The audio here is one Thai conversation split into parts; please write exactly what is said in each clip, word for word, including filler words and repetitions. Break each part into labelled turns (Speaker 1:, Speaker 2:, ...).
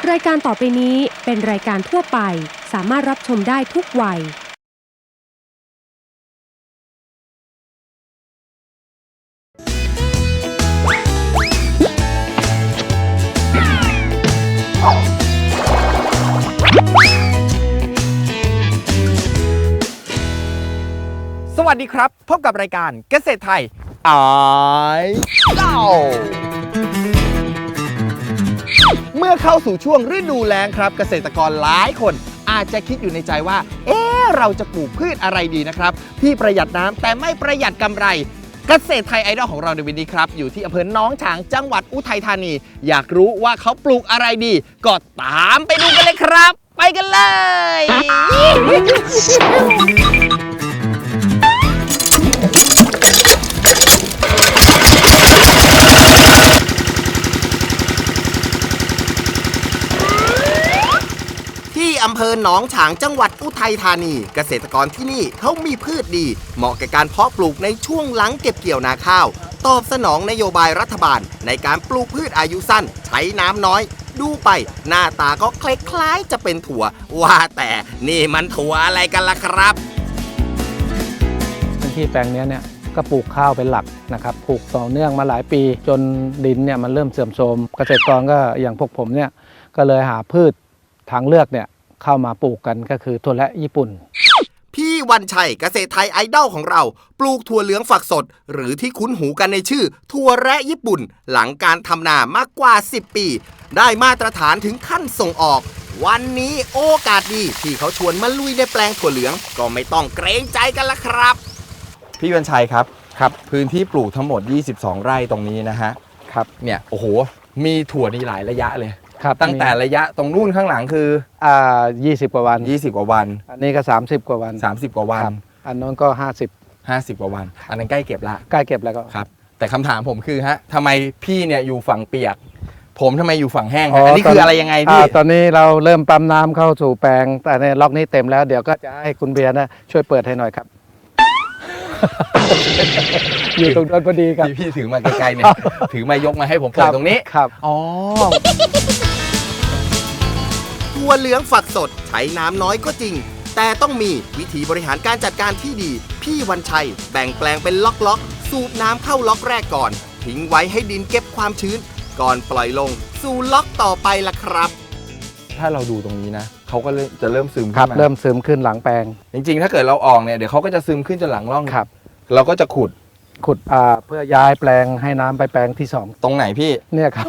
Speaker 1: รายการต่อไปนี้เป็นรายการทั่วไปสามารถรับชมได้ทุกวัย
Speaker 2: สวัสดีครับพบกับรายการเกษตรไทยไอเล่าเมื่อเข้าสู่ช่วงฤดูแล้งครับเกษตรกรหลายคนอาจจะคิดอยู่ในใจว่าเอ๊ะเราจะปลูกพืชอะไรดีนะครับที่ประหยัดน้ำแต่ไม่ประหยัดกำไรเกษตรไทยไอดอลของเราในวันนี้ครับอยู่ที่อำเภอหนองฉางจังหวัดอุทัยธานีอยากรู้ว่าเขาปลูกอะไรดีก็ตามไปดูกันเลยครับไปกันเลยที่อำเภอหนองฉางจังหวัดอุทัยธานีเกษตรกรที่นี่เขามีพืชดีเหมาะกับการเพาะปลูกในช่วงหลังเก็บเกี่ยวนาข้าวตอบสนองนโยบายรัฐบาลในการปลูกพืชอายุสั้นใช้น้ำน้อยดูไปหน้าตาก็คล้ายๆจะเป็นถั่วว่าแต่นี่มันถั่วอะไรกันล่ะครับ
Speaker 3: พื้นที่แปลงนี้เนี่ยก็ปลูกข้าวเป็นหลักนะครับปลูกต่อเนื่องมาหลายปีจนดินเนี่ยมันเริ่มเสื่อมโทรมเกษตรกรก็อย่างพวกผมเนี่ยก็เลยหาพืชทางเลือกเนี่ยเข้ามาปลูกกันก็คือถั่วและญี่ปุ่น
Speaker 2: พี่วันชัยเกษตรไทยไอดอลของเราปลูกถั่วเหลืองฝักสดหรือที่คุ้นหูกันในชื่อถั่วแระญี่ปุ่นหลังการทำนามากกว่าสิบปีได้มาตรฐานถึงขั้นส่งออกวันนี้โอกาสดีที่เขาชวนมาลุยในแปลงถั่วเหลืองก็ไม่ต้องเกรงใจกันละครับพี่วันชัยครับครับพื้นที่ปลูกทั้งหมดยี่สิบสองไร่ตรงนี้นะฮะครับเนี่ยโอ้โหมีถั่วนี่หลายระยะเลยตั้งแต่ระยะตรงนู่นข้างหลังคือ
Speaker 3: อ่ายี่สิบกว่าวัน
Speaker 2: ยี่สิบกว่าวัน
Speaker 3: อันนี้ก็สามสิบกว่าวัน
Speaker 2: สามสิบกว่าวัน
Speaker 3: อันนู้นก็ห้าสิบ
Speaker 2: ห้าสิบกว่าวันอันนั้นใกล้เก็บละ
Speaker 3: ใกล้เก็บแล้วก็
Speaker 2: ครับแต่คำถามผมคือฮะทำไมพี่เนี่ยอยู่ฝั่งเปียกผมทำไมอยู่ฝั่งแห้งฮะอันนี้คืออะไรยังไงพี่
Speaker 3: ตอนนี้เราเริ่มปั๊มน้ำเข้าสู่แปลงแต่ในล็อกนี้เต็มแล้วเดี๋ยวก็จะให้คุณเบียร์นะช่วยเปิดให้หน่อยครับอยู่ตรงนั้นพอดีครับ
Speaker 2: พี่ถือมาไกลๆเนี่ยถือมายกมาให้ผมเปิดตรงนี้
Speaker 3: ครับ
Speaker 2: อ๋อถั่วเหลืองฝักสดใช้น้ำน้อยก็จริงแต่ต้องมีวิธีบริหารการจัดการที่ดีพี่วันชัยแบ่งแปลงเป็นล็อกๆสูบน้ำเข้าล็อกแรกก่อนทิ้งไว้ให้ดินเก็บความชื้นก่อนปล่อยลงสู่ล็อกต่อไปล่ะครับถ้าเราดูตรงนี้นะเขาก็จะเริ่มซึม
Speaker 3: ขึ้นมาเริ่มซึมขึ้นหลังแปลง
Speaker 2: จริงๆถ้าเกิดเราออกเนี่ยเดี๋ยวเขาก็จะซึมขึ้นจนหลังร่องครับเราก็จะขุด
Speaker 3: ขุดอ่าเพื่อย้ายแปลงให้น้ำไปแปลงที่สอง
Speaker 2: ตรงไหนพี่
Speaker 3: เนี่ยครับ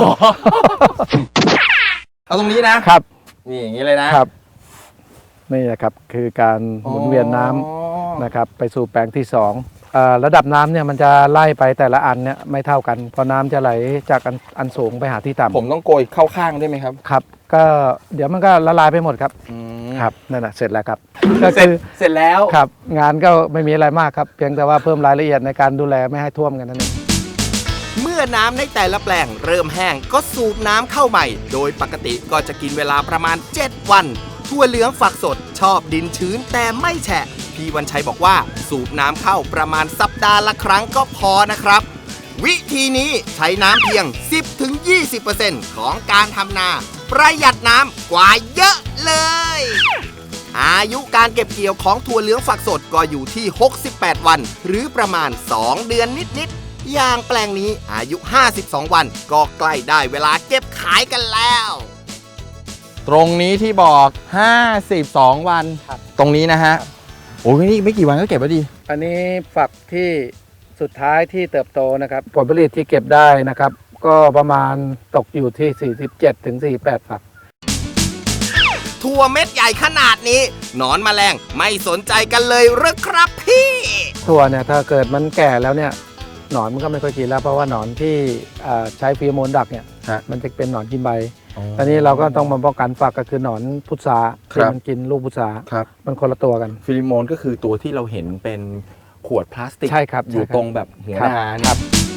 Speaker 2: เอาตรงนี้นะครับนี่อย่างนี้เลยนะครับ
Speaker 3: นี่นะครับคือการหมุนเวียนน้ำนะครับไปสู่แปลงที่สองระดับน้ำเนี่ยมันจะไล่ไปแต่ละอันเนี่ยไม่เท่ากันเพราะน้ำจะไหลจากอันอันสูงไปหาที่ต่ำ
Speaker 2: ผมต้องโกยเข้าข้างได้ไหมครับ
Speaker 3: ครับก็เดี๋ยวมันก็ละลายไปหมดครับครับนั่นแหละเสร็จแล้วครับ
Speaker 2: ก็เสร็จเสร็จแล้ว
Speaker 3: ครับงานก็ไม่มีอะไรมากครับเพียงแต่ว่าเพิ่มรายละเอียดในการดูแลไม่ให้ท่วมกันนั่นเอง
Speaker 2: เมื่อน้ำในแต่ละแปลงเริ่มแห้งก็สูบน้ำเข้าใหม่โดยปกติก็จะกินเวลาประมาณเจ็ดวันถั่วเหลืองฝักสดชอบดินชื้นแต่ไม่แฉะพี่วันชัยบอกว่าสูบน้ำเข้าประมาณสัปดาห์ละครั้งก็พอนะครับวิธีนี้ใช้น้ำเพียง สิบถึงยี่สิบเปอร์เซ็นต์ ของการทำนาประหยัดน้ำกว่าเยอะเลยอายุการเก็บเกี่ยวของถั่วเหลืองฝักสดก็อยู่ที่หกสิบแปดวันหรือประมาณสองเดือนนิดๆอย่างแปลงนี้อายุห้าสิบสองวันก็ใกล้ได้เวลาเก็บขายกันแล้วตรงนี้ที่บอกห้าสิบสองวันตรงนี้นะฮะโอ้ยนี่ไม่กี่วันก็เก็บแล้วดี
Speaker 3: อันนี้ฝักที่สุดท้ายที่เติบโตนะครับผลผลิตที่เก็บได้นะครับก็ประมาณตกอยู่ที่สี่สิบเจ็ดถึงสี่สิบแปดฝัก
Speaker 2: ถั่วเม็ดใหญ่ขนาดนี้หนอนแมลงไม่สนใจกันเลยหรือครับพี่
Speaker 3: ถั่วเนี่ยถ้าเกิดมันแก่แล้วเนี่ยหนอนมันก็ไม่ค่อยกินแล้วเพราะว่าหนอนที่ใช้ฟีโรโมนดักเนี่ยมันจะเป็นหนอนกินใบตอนนี้เราก็ต้องมาป้องกันฝักก็คือหนอนพุทราที่มันกินลูกพุทรามันคนละตัวกัน
Speaker 2: ฟีโรโมนก็คือตัวที่เราเห็นเป็นขวดพลาสติก
Speaker 3: ใช่ครับ
Speaker 2: อยู่ตรงแบบหัวหน้าครับ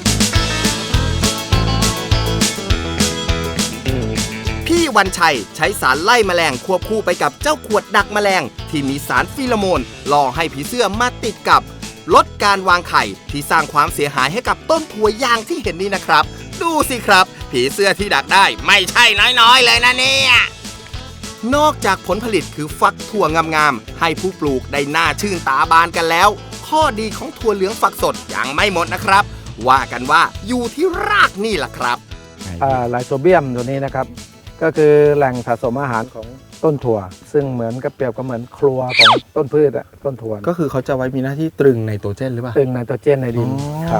Speaker 2: พี่วันชัยใช้สารไล่แมลงควบคู่ไปกับเจ้าขวดดักแมลงที่มีสารฟีโรโมนล่อให้ผีเสื้อมาติดกับลดการวางไข่ที่สร้างความเสียหายให้กับต้นถั่วอย่างที่เห็นนี่นะครับดูสิครับผีเสื้อที่ดักได้ไม่ใช่น้อยๆเลยนะเนี่ยนอกจากผลผลิตคือฟักถั่วงามๆให้ผู้ปลูกได้หน้าชื่นตาบานกันแล้วข้อดีของถั่วเหลืองฝักสดยังไม่หมดนะครับว่ากันว่าอยู่ที่รากนี่แหละครับ
Speaker 3: ไลโซเบียมตัวนี้นะครับก็คือแหล่งสะสมอาหารของต้นถั่วซึ่งเหมือนกับเปรียบกับเหมือนครัวของต้นพืชอะต้นถั่ว
Speaker 4: ก็คือเขาจะไว้มีหน้าที่ตรึงไนโตรเจนหรือเปล่า
Speaker 3: ตรึงไนโตรเจนในดินครับ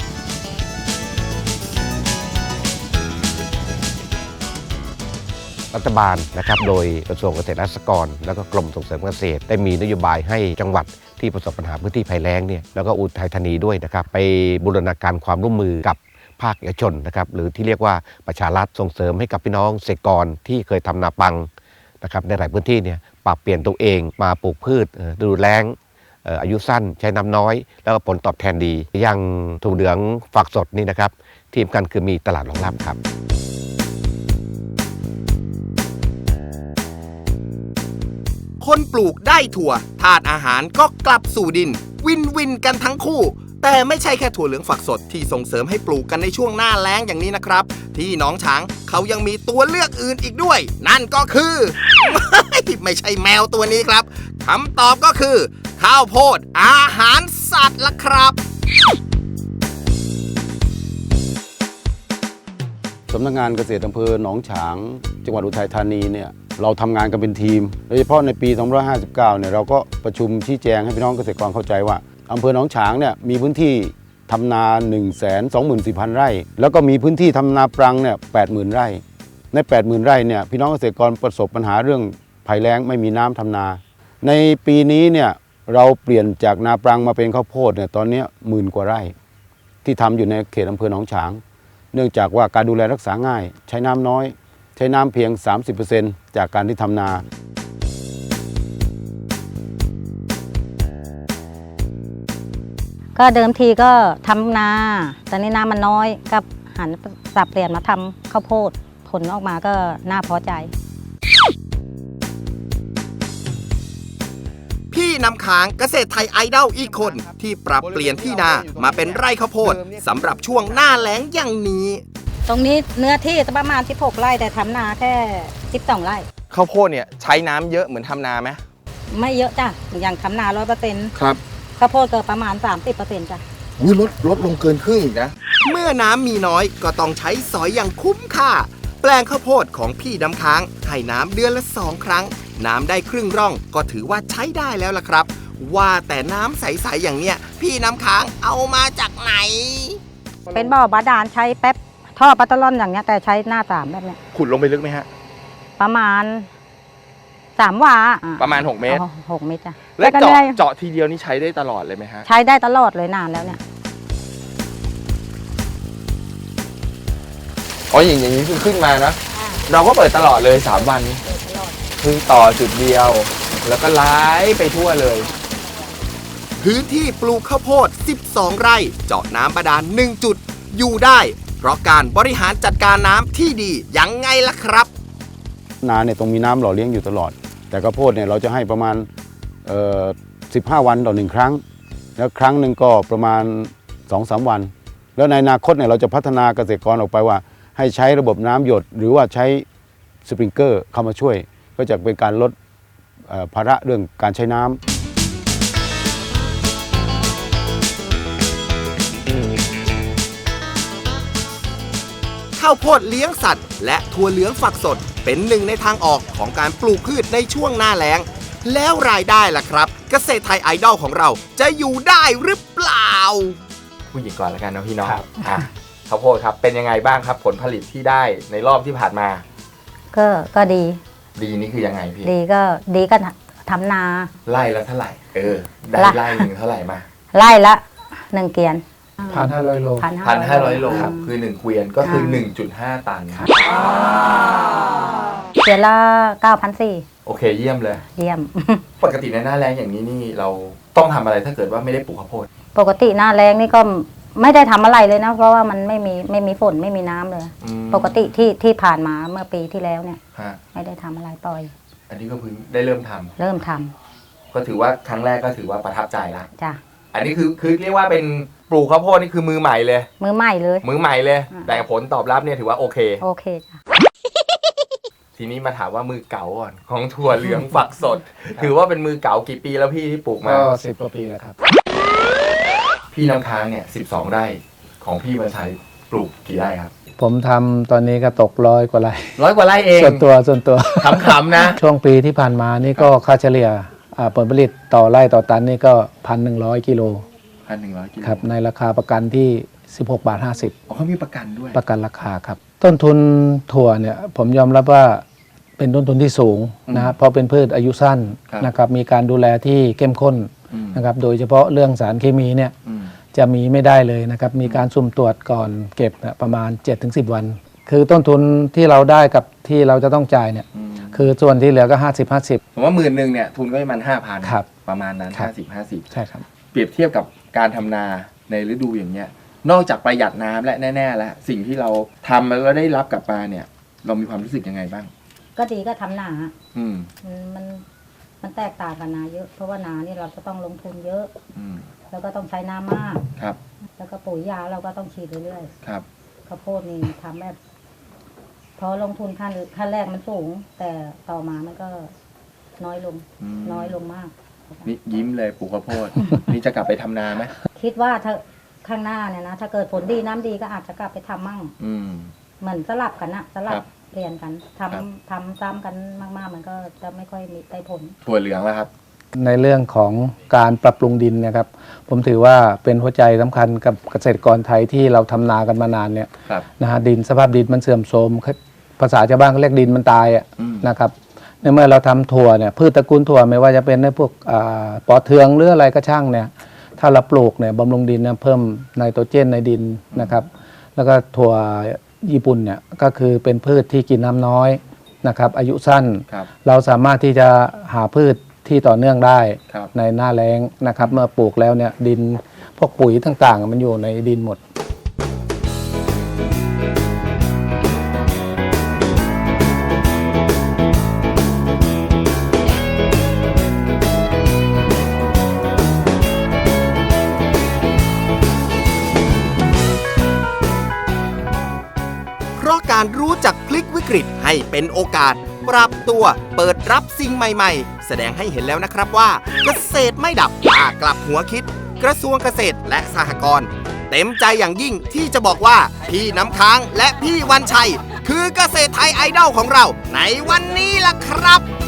Speaker 5: รัฐบาลนะครับโดยกระทรวงเกษตรและสหกรณ์แล้วก็กรมส่งเสริมเกษตรได้มีนโยบายให้จังหวัดที่ประสบปัญหาพื้นที่ภัยแล้งเนี่ยแล้วก็อุทัยธานีด้วยนะครับไปบูรณาการความร่วมมือกับภาคเอกชนนะครับหรือที่เรียกว่าประชารัฐส่งเสริมให้กับพี่น้องเกษตรกรที่เคยทำนาปังนะครับในหลายพื้นที่เนี่ยปรับเปลี่ยนตัวเองมาปลูกพืชฤดูแล้งอายุสั้นใช้น้ำน้อยแล้วก็ผลตอบแทนดีอย่างถั่วเหลืองฝักสดนี่นะครับที่สำคัญคือมีตลาดรองรับครับ
Speaker 2: คนปลูกได้ถั่วธาตุอาหารก็กลับสู่ดินวินวินกันทั้งคู่แต่ไม่ใช่แค่ถั่วเหลืองฝักสดที่ส่งเสริมให้ปลูกกันในช่วงหน้าแล้งอย่างนี้นะครับที่หนองฉางเขายังมีตัวเลือกอื่นอีกด้วยนั่นก็คือ ไม่ใช่แมวตัวนี้ครับคำตอบก็คือข้าวโพดอาหารสัตว์ละครับ
Speaker 6: สำนักงานเกษตรอำเภอหนองฉางจังหวัดอุทัยธานีเนี่ยเราทำงานกันเป็นทีมโดยเฉพาะในปีสองพันห้าร้อยห้าสิบเก้าเนี่ยเราก็ประชุมชี้แจงให้พี่น้องเกษตรกรเข้าใจว่าอำเภอหนองฉางเนี่ยมีพื้นที่ทำนา หนึ่งแสนสองหมื่นสี่พัน ไร่แล้วก็มีพื้นที่ทำนาปรังเนี่ย แปดหมื่น ไร่ใน แปดหมื่น ไร่เนี่ยพี่น้องเกษตรกรประสบปัญหาเรื่องภัยแล้งไม่มีน้ำทำนาในปีนี้เนี่ยเราเปลี่ยนจากนาปรังมาเป็นข้าวโพดเนี่ยตอนนี้หมื่นกว่าไร่ที่ทำอยู่ในเขตอำเภอหนองฉางเนื่องจากว่าการดูแลรักษาง่ายใช้น้ำน้อยใช้น้ำเพียง สามสิบเปอร์เซ็นต์ จากการที่ทำนา
Speaker 7: ก็เดิมทีก็ทำนาแต่นี่น้ำมันน้อยก็หันสับเปลี่ยนมาทำข้าวโพดผลออกมาก็น่าพอใจ
Speaker 2: พี่นำค้างเกษตรไทยไอดอลอีกคนที่ปรับเปลี่ยนที่นามาเป็นไร่ข้าวโพดสำหรับช่วงหน้าแล้งอย่างนี้
Speaker 7: ตรงนี้เนื้อที่ประมาณสิบหกไร่แต่ทำนาแค่สิบสองไร่
Speaker 4: ข้าวโพดเนี่ยใช้น้ำเยอะเหมือนทำนาไหม
Speaker 7: ไม่เยอะจ้ะอย่างทำนาร้อยเปอร์เซ็นต์
Speaker 4: ครับ
Speaker 7: ข้าวโพดเกิดประมาณ สามสิบเปอร์เซ็นต์ จ้ะ
Speaker 4: อุ้ยลดลดลงเกินครึ่งอีกนะ
Speaker 2: เมื่อน้ำมีน้อยก็ต้องใช้สอยอย่างคุ้มค่าแปลงข้าวโพดของพี่ดำค้างให้น้ำเดือนละสองครั้งน้ำได้ครึ่งร่องก็ถือว่าใช้ได้แล้วล่ะครับว่าแต่น้ำใสๆอย่างเนี้ยพี่น้ำค้างเอามาจากไหน
Speaker 7: เป็นบ่อบาดาลใช้แป๊บท่อปัตตลอนอย่างเนี้ยแต่ใช้หน้าสามแบบเนี้ย
Speaker 4: ขุดลงไปลึกไหมฮะ
Speaker 7: ประมาณสามวา
Speaker 4: ประมาณหกเมตร
Speaker 7: หกเมตรจ้ะ
Speaker 4: แล้วเจาะเจาะทีเดียวนี่ใช้ได้ตลอดเลยไหมฮะ
Speaker 7: ใช้ได้ตลอดเลยนานแล้วเนี่ย
Speaker 4: อ๋ออย่างอย่างนี้คือขึ้นมานะเราก็เปิดตลอดเลยสามวันคือต่อจุดเดียวแล้วก็ไล่ไปทั่วเลย
Speaker 2: พื้นที่ปลูกข้าวโพดสิบสองไร่เจาะน้ำบาดาลหนึ่งจุดอยู่ได้เพราะการบริหารจัดการน้ำที่ดียังไงล่ะครับ
Speaker 6: นาเนี่ยต้องมีน้ำหล่อเลี้ยงอยู่ตลอดแต่ข้าวโพดเนี่ยเราจะให้ประมาณเอ่อสิบห้าวันต่อหนึ่งครั้งแล้วครั้งหนึ่งก็ประมาณ สองถึงสาม วันแล้วในอนาคตเนี่ยเราจะพัฒนาเกษตรกรออกไปว่าให้ใช้ระบบน้ำหยดหรือว่าใช้สปริงเกอร์เข้ามาช่วยก็จะเป็นการลดภาระเรื่องการใช้น้ำ
Speaker 2: ข้าวโพดเลี้ยงสัตว์และถั่วเหลืองฝักสดเป็นหนึ่งในทางออกของการปลูกพืชในช่วงหน้าแล้งแล้วรายได้ล่ะครับเกษตรไทยไอดอลของเราจะอยู่ได้หรือเปล่า
Speaker 4: ผู้หญิงก่อนแล้วกันนะพี่น้องข้าวโพดครับเป็นยังไงบ้างครับผลผลิตที่ได้ในรอบที่ผ่านมา
Speaker 7: ก็ก็ดี
Speaker 4: ดีนี่คือยังไงพี่
Speaker 7: ดีก็ดีก็ทำนา
Speaker 4: ไร่ละเท่าไหร่เออได้ไร่หนึ่งเท่าไหร่มา
Speaker 7: ไร่ละหนึ่งเกวียน
Speaker 3: พันห้าร้อยโล
Speaker 4: พันห้าร้อยโลครับคือหนึ่งเกวียนก็คือ หนึ่งจุดห้า ตันครับ
Speaker 7: เกวียนละเก้าพันสี่
Speaker 4: โอเคเยี่ยมเลย
Speaker 7: เยี่ยม
Speaker 4: ปกติในหน้าแล้งอย่างนี้นี่เราต้องทำอะไรถ้าเกิดว่าไม่ได้ปลูกข้าวโพด
Speaker 7: ปกติหน้าแล้งนี่ก็ไม่ได้ทำอะไรเลยนะเพราะว่ามันไม่มีไม่มีฝนไม่มีน้ำเลยปกติที่ที่ผ่านมาเมื่อปีที่แล้วเนี่ยไม่ได้ทำอะไรปล่อย
Speaker 4: อันนี้ก็เพิ่งได้เริ่มทำ
Speaker 7: เริ่มทำ
Speaker 4: ก็ถือว่าครั้งแรกก็ถือว่าประทับใจละ
Speaker 7: จ้ะ
Speaker 4: ไออันนี้คือคือเรียกว่าเป็นปลูกข้าวโพดนี่คือมือใหม่เลย
Speaker 7: มือใหม่เลย
Speaker 4: มือใหม่เลย
Speaker 7: อ่า
Speaker 4: แต่ผลตอบรับเนี่ยถือว่าโอเค
Speaker 7: โอเคจ้ะ
Speaker 4: ทีนี้มาถามว่ามือเก่าก่อนของถั่วเหลืองฝักสด ถือว่าเป็นมือเก่ากี่ปีแล้วพี่ที่ปลูกมา
Speaker 3: ก็สิบกว่าปีแล้วครับ
Speaker 4: พี่น้ำค้างเนี่ยสิบสองไร่ของพี่วันชัยปลูกกี่ไร่ครับ
Speaker 3: ผมทำตอนนี้ก็ตกร้อยกว่าไร่
Speaker 4: ร้อยกว่าไร่เอง
Speaker 3: ส่วนตัวส่วนตัว
Speaker 4: ขำๆนะ
Speaker 3: ช่วงปีที่ผ่านมานี่ก็ค่าเฉลี่ยอ่าผลผลิตต่อไร่ต่อตันนี่ก็พันหนึ่งร้อยกิโล
Speaker 4: พันหนึ่งร้อยกิโล
Speaker 3: ครับในราคาประกันที่ สิบหกบาทห้าสิบ
Speaker 4: อ๋อเขามีประกันด้วย
Speaker 3: ประกันราคาครับ ต้นทุนถั่วเนี่ยผมยอมรับว่าเป็นต้นทุนที่สูงนะครับเพราะเป็นพืชอายุสั้น
Speaker 4: ครับ
Speaker 3: นะครับมีการดูแลที่เข้มข้น
Speaker 4: อืม
Speaker 3: นะครับโดยเฉพาะเรื่องสารเคมีเนี่ย
Speaker 4: อืม
Speaker 3: จะมีไม่ได้เลยนะครับมีการสุ่มตรวจก่อนเก็บเนี่ยประมาณ เจ็ดถึงสิบ วัน คือต้นทุนที่เราได้กับที่เราจะต้องจ่ายเนี่ย
Speaker 4: อืม
Speaker 3: คือส่วนที่เหลือก็ ห้าสิบ ห้าสิบ
Speaker 4: ผมว่าหมื่นหนึ่งเนี่ยทุนก็ประมาณห้าพัน
Speaker 3: ครับ
Speaker 4: ประมาณนั้น
Speaker 3: ครับ
Speaker 4: ห้าสิบห้าสิบ
Speaker 3: ใช่ครับ
Speaker 4: เปรียบเทียบกับการทำนาในฤดูอย่างเงี้ย นอกจากประหยัดน้ำและแน่ๆแล้วสิ่งที่เราทำแล้วได้รับกลับมาเนี่ย เรามีความรู้สึกยังไงบ้าง
Speaker 7: ก็ดีก็ทำนา
Speaker 4: อืม
Speaker 7: มันมันมันแตกต่างกับนาเยอะ เพราะว่านานี่เราจะต้องลงทุนเยอะ
Speaker 4: อืม
Speaker 7: แล้วก็ต้องใช้น้ำมาก
Speaker 4: ครับ
Speaker 7: แล้วก็ปุ๋ยยาเราก็ต้องฉีดเรื่อย
Speaker 4: ครับ
Speaker 7: ๆข้าวโพดนี่ทำแบบพอลงทุนขั้นขั้นแรกมันสูง แต่ต่อมามันก็น้อยลง
Speaker 4: อืม
Speaker 7: น้อยลงมาก
Speaker 4: นี่ยิ้มเลยปลูกข้าวโพด นี่จะกลับไปทำนาไหม
Speaker 7: คิดว่าถ้าข้างหน้าเนี่ยนะถ้าเกิดผลดีน้ำดีก็อาจจะกลับไปทำมั่ง
Speaker 4: อืม
Speaker 7: เหมือนสลับกันนะสลั
Speaker 4: ครับ บ
Speaker 7: เปลี่ยนกันทำ
Speaker 4: ครับ
Speaker 7: ทำซ้ำกันมากๆ มันก็จะไม่ค่อยมีได้ผล
Speaker 4: ถั่วเหลืองแล้วครับ
Speaker 3: ในเรื่องของการปรับปรุงดินเนะครับ ผมถือว่าเป็นหัวใจสำคัญกับเกษตรกรไทยที่เราทำนากันมานานเนี่ย
Speaker 4: ครับ
Speaker 3: นะฮะดินสภาพดินมันเสื่อมโทรมภาษาชาวบ้านเขาเรียกดินมันตายอะ
Speaker 4: อืม
Speaker 3: นะครับในเมื่อเราทำถั่วเนี่ยพืชตระกูลถั่วไม่ว่าจะเป็นในพวกอ่าปอเทืองหรืออะไรก็ช่างเนี่ยถ้าเราปลูกเนี่ยบำรุงดินเนี่ยเพิ่มไนโตรเจนในดินนะครับ แล้วก็ถั่วญี่ปุ่นเนี่ยก็คือเป็นพืชที่กินน้ำน้อยนะครับอายุสั้น
Speaker 4: ครับ
Speaker 3: เราสามารถที่จะหาพืชที่ต่อเนื่องได้
Speaker 4: ครับ
Speaker 3: ในหน้าแล้งนะครับเมื่อปลูกแล้วเนี่ยดินพวกปุ๋ยต่างๆ มันอยู่ในดินหมด
Speaker 2: เพราะการรู้จักพลิกวิกฤตให้เป็นโอกาส ปรับตัวเปิดรับสิ่งใหม่ๆ แสดงให้เห็นแล้วนะครับว่าเกษตรไม่ดับกล้ากลับหัวคิด กระทรวงเกษตรและสหกรณ์เต็มใจอย่างยิ่งที่จะบอกว่าพี่น้ำค้างและพี่วันชัย คือเกษตรไทยไอดอลของเราในวันนี้ล่ะครับ